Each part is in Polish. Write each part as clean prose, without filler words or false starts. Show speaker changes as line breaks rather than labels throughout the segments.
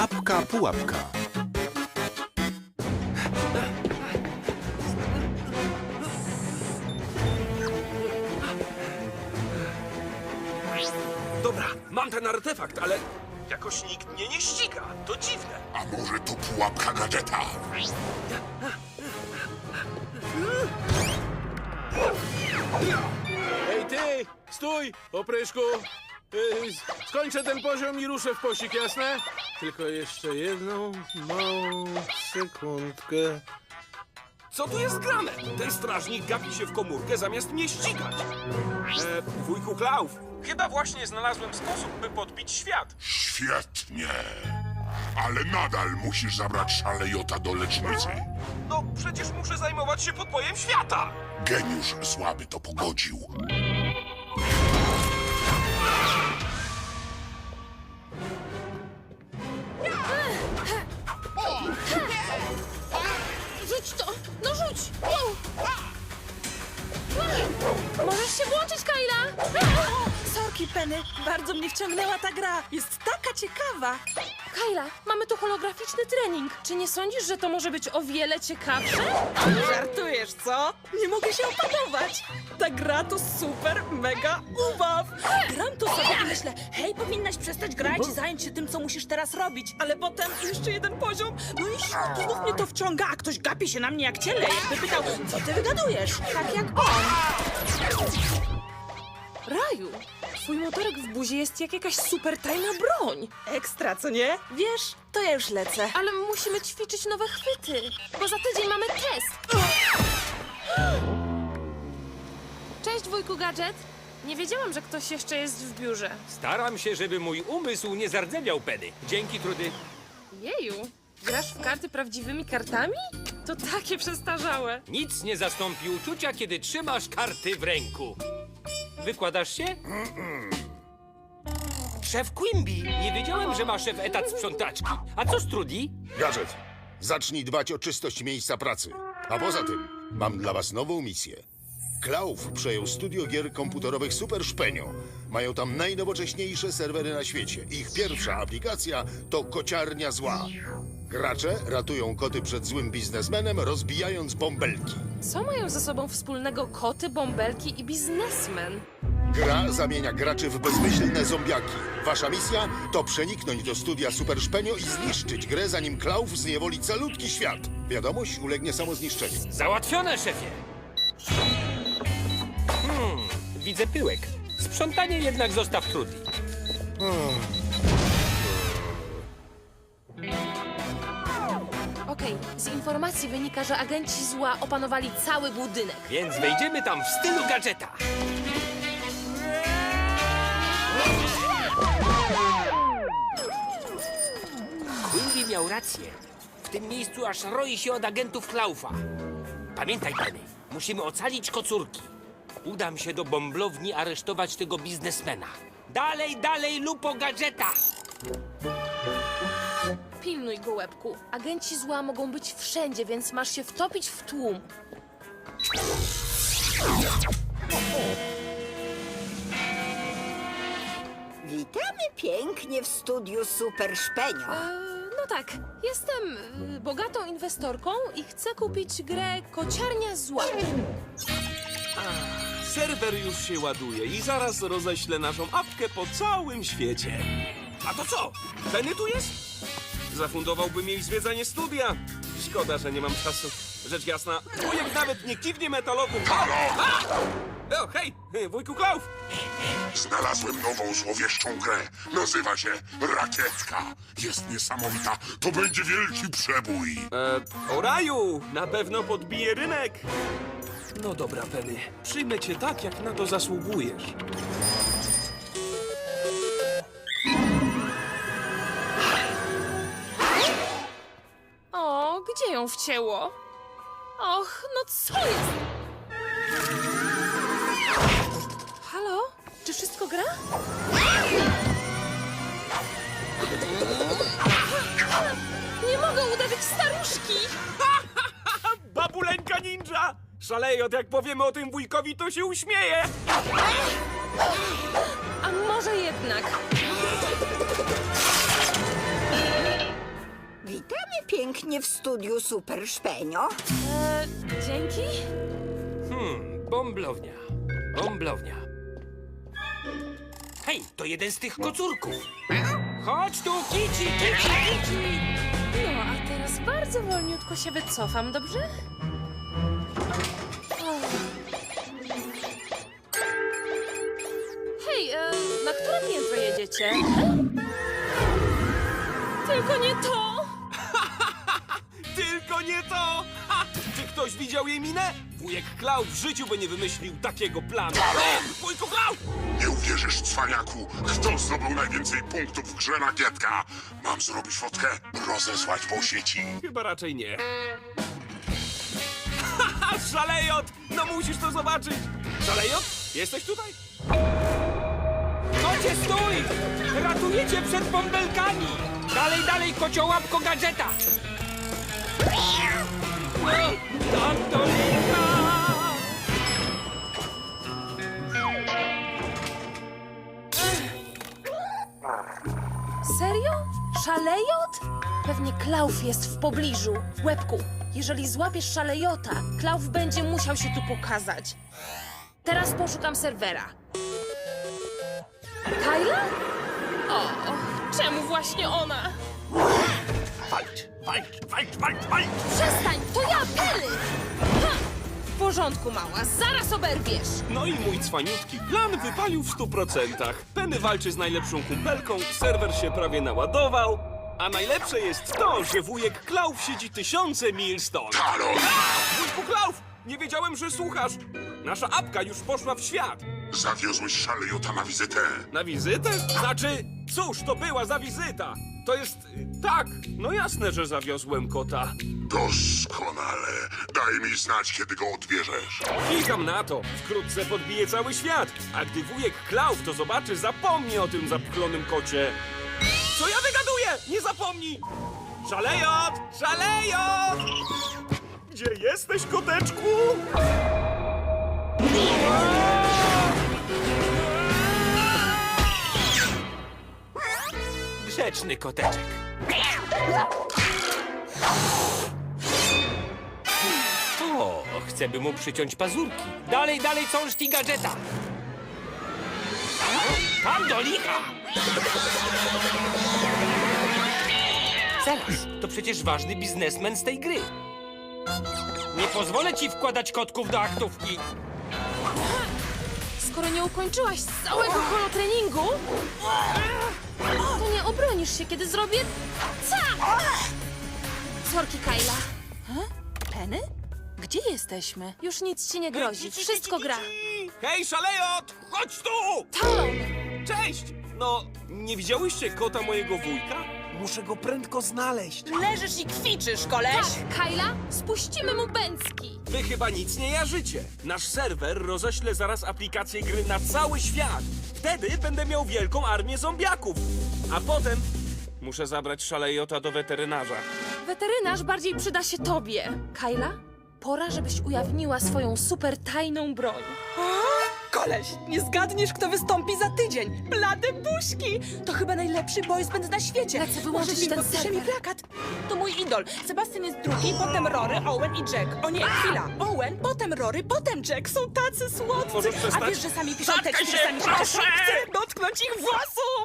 Apka Pułapka.
Dobra, mam ten artefakt, ale jakoś nikt mnie nie ściga. To dziwne.
A może to pułapka gadżeta?
Ej ty! Stój, opryszku! Skończę ten poziom i ruszę w posik, jasne? Tylko jeszcze jedną małą sekundkę.
Co tu jest grane? Ten strażnik gapi się w komórkę zamiast mnie ścigać. Wujku Klauf, chyba właśnie znalazłem sposób, by podbić świat.
Świetnie. Ale nadal musisz zabrać szalejota do lecznicy.
No, przecież muszę zajmować się podbojem świata.
Geniusz słaby to pogodził.
Rzuć to! No rzuć! Wow. Możesz się włączyć, Kyla?
Sorki, Penny, bardzo mnie wciągnęła ta gra. Jest taka ciekawa.
Kyla, mamy tu holograficzny trening. Czy nie sądzisz, że to może być o wiele ciekawsze?
Żartujesz, co? Nie mogę się opanować. Ta gra to super, mega ubaw. Gram to sobie i myślę, hej, powinnaś przestać grać i zająć się tym, co musisz teraz robić. Ale potem jeszcze jeden poziom, no i znów mnie to wciąga, a ktoś gapi się na mnie jak ciele, jakby pytał, co ty wygadujesz? Tak jak on.
Raju, twój motorek w buzi jest jak jakaś super tajna broń.
Ekstra, co nie? Wiesz, to ja już lecę.
Ale musimy ćwiczyć nowe chwyty, bo za tydzień mamy test. Cześć, wujku Gadżet. Nie wiedziałam, że ktoś jeszcze jest w biurze.
Staram się, żeby mój umysł nie zardzewiał, Penny. Dzięki, Trudy.
Jeju, grasz w karty prawdziwymi kartami? To takie przestarzałe.
Nic nie zastąpi uczucia, kiedy trzymasz karty w ręku. Wykładasz się? Szef Quimby, nie wiedziałem, że ma szef etat sprzątaczki. A co z Trudy?
Gadżet, zacznij dbać o czystość miejsca pracy. A poza tym, mam dla was nową misję. Klauf przejął studio gier komputerowych Super Szpenio. Mają tam najnowocześniejsze serwery na świecie. Ich pierwsza aplikacja to kociarnia zła. Gracze ratują koty przed złym biznesmenem, rozbijając bąbelki.
Co mają ze sobą wspólnego koty, bąbelki i biznesmen?
Gra zamienia graczy w bezmyślne zombiaki. Wasza misja to przeniknąć do studia Super Szpenio i zniszczyć grę, zanim Klauf zniewoli calutki świat. Wiadomość ulegnie samozniszczeniu.
Załatwione, szefie. Widzę pyłek. Sprzątanie jednak zostaw Trudy.
Okej, z informacji wynika, że agenci zła opanowali cały budynek.
Więc wejdziemy tam w stylu gadżeta. Quimby miał rację. W tym miejscu aż roi się od agentów Klaufa. Pamiętaj, Penny, musimy ocalić kocurki. Udam się do bąblowni aresztować tego biznesmena. Dalej, dalej, lupo gadżeta!
Pilnuj go, łebku. Agenci zła mogą być wszędzie, więc masz się wtopić w tłum.
Witamy pięknie w studiu Super Szpenio.
No tak, jestem bogatą inwestorką i chcę kupić grę Kociarnia Zła.
Serwer już się ładuje i zaraz roześlę naszą apkę po całym świecie. A to co? Penny tu jest? Zafundowałbym jej zwiedzanie studia. Szkoda, że nie mam czasu. Rzecz jasna, wujek nawet nie kiwnie metalowym.
Halo!
O, hej, wujku Klauf!
Znalazłem nową złowieszczą grę. Nazywa się Rakietka. Jest niesamowita. To będzie wielki przebój.
O raju, na pewno podbije rynek. No dobra, Penny, przyjmę cię tak, jak na to zasługujesz.
O, gdzie ją wcięło? Och, no co jest? Halo? Czy wszystko gra? Nie mogę uderzyć staruszki!
Babuleńka ninja! Szalejot, jak powiemy o tym wujkowi, to się uśmieje!
A może jednak?
pięknie w studiu Super Szpenio.
Dzięki.
Bąblownia. Bąblownia. Hej, to jeden z tych kocurków. Chodź tu, Kici, Kici, Kici.
No, a teraz bardzo wolniutko się wycofam, dobrze? Hej, na które piętro jedziecie? Tylko nie to!
Tylko nie to! Ha! Czy ktoś widział jej minę? Wujek Klaus w życiu by nie wymyślił takiego planu. Wujku Klaus!
Nie uwierzysz, cwaniaku, kto zdobył najwięcej punktów w grze na Gietka. Mam zrobić fotkę? Rozesłać po sieci.
Chyba raczej nie. Haha, Szalejot! No musisz to zobaczyć! Szalejot? Jesteś tutaj?
Kocie, stój! Ratuję cię przed bąbelkami! Dalej, dalej, kociołapko gadżeta! No, tam to licha!
Serio? Szalejot? Pewnie Klauf jest w pobliżu, w łebku. Jeżeli złapiesz szalejota, Klauf będzie musiał się tu pokazać. Teraz poszukam serwera. Kyla? O, czemu właśnie ona?
Walcz, walcz, walcz, walcz, walcz!
Przestań, to ja, Penny! Ha! W porządku, mała, zaraz oberwiesz.
No i mój cwaniutki plan wypalił w 100%. Penny walczy z najlepszą kumpelką, serwer się prawie naładował. A najlepsze jest to, że wujek Klauf siedzi tysiące mil stąd.
Talon!
Wujku Klauf! Nie wiedziałem, że słuchasz. Nasza apka już poszła w świat.
Zawiozłeś Szalejota na wizytę.
Na wizytę? Znaczy, cóż to była za wizyta? To jest... tak, no jasne, że zawiozłem kota.
Doskonale. Daj mi znać, kiedy go odbierzesz.
Klikam na to. Wkrótce podbije cały świat. A gdy wujek Klauf to zobaczy, zapomni o tym zapchlonym kocie. Co ja wygaduję? Nie zapomnij! Szalejot! Szalejot! Gdzie jesteś, koteczku?
Grzeczny koteczek. O, chcę by mu przyciąć pazurki. Dalej, dalej, cążki gadżeta. Tam do licha! Zaraz, to przecież ważny biznesmen z tej gry. Nie pozwolę ci wkładać kotków do aktówki.
Skoro nie ukończyłaś całego holotreningu, to nie obronisz się, kiedy zrobię... ca! Sorki, Kyla.
Penny? Gdzie jesteśmy?
Już nic ci nie grozi, wszystko gra.
Hej, Szalejot! Chodź tu!
Talon!
Cześć! No, nie widziałyście kota mojego wujka? Muszę go prędko znaleźć.
Leżysz i kwiczysz, koleś!
Tak, Kyla, spuścimy mu bęcki.
Wy chyba nic nie jarzycie. Nasz serwer roześle zaraz aplikację gry na cały świat. Wtedy będę miał wielką armię zombiaków. A potem muszę zabrać Szalejota do weterynarza.
Weterynarz bardziej przyda się tobie. Kyla, pora, żebyś ujawniła swoją super tajną broń.
Koleś, nie zgadniesz, kto wystąpi za tydzień. Blade buźki! To chyba najlepszy boys band na świecie.
Lecę wyłączyć
Może
ten
podpisze mi
serwer.
plakat. To mój idol. Sebastian jest drugi, potem Rory, Owen i Jack. O nie, chwila. Owen, potem Rory, potem Jack. Są tacy słodcy.
Możesz
A
przestać?
wiesz, że sami piszą
Zatkaj
teksty,
się,
sami się
proszę!
cieszą. Chcę dotknąć ich włosów!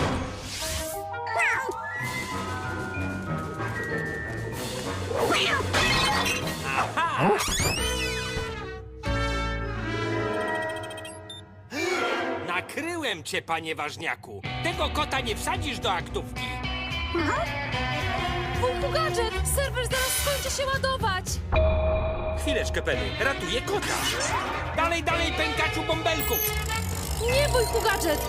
Nakryłem cię, panie ważniaku. Tego kota nie wsadzisz do aktówki.
Wujku Gadżet, serwer zaraz skończy się ładować.
Chwileczkę, Penny. Ratuję kota. Dalej, dalej, pękaczu bąbelków.
Nie, wujku Gadżet.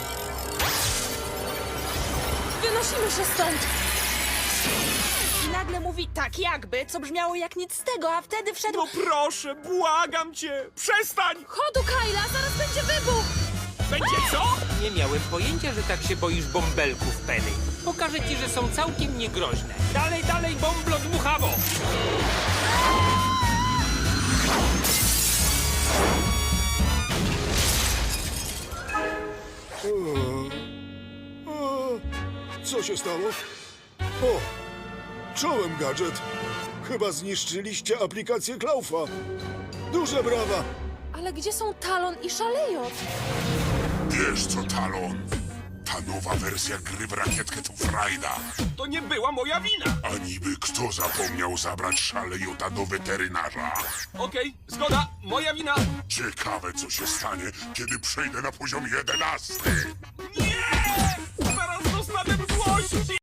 Wynosimy się stąd.
I nagle mówi tak jakby, co brzmiało jak nic z tego, a wtedy wszedł...
No proszę, błagam cię, przestań!
Chodu, Kyla, zaraz będzie wybuch.
Będzie co?
Nie miałem pojęcia, że tak się boisz bąbelków, Penny. Pokażę ci, że są całkiem niegroźne. Dalej, dalej, bąblo dmuchawo!
Co się stało? O! Czołem, Gadżet. Chyba zniszczyliście aplikację Klaufa. Duże brawa!
Ale gdzie są Talon i Szalejot?
Wiesz co, Talon? Ta nowa wersja gry w rakietkę to frajda.
To nie była moja wina.
A niby kto zapomniał zabrać Szalejota do weterynarza?
Okej, zgoda, moja wina.
Ciekawe, co się stanie, kiedy przejdę na poziom 11.
Nie! Zaraz dostanę złości!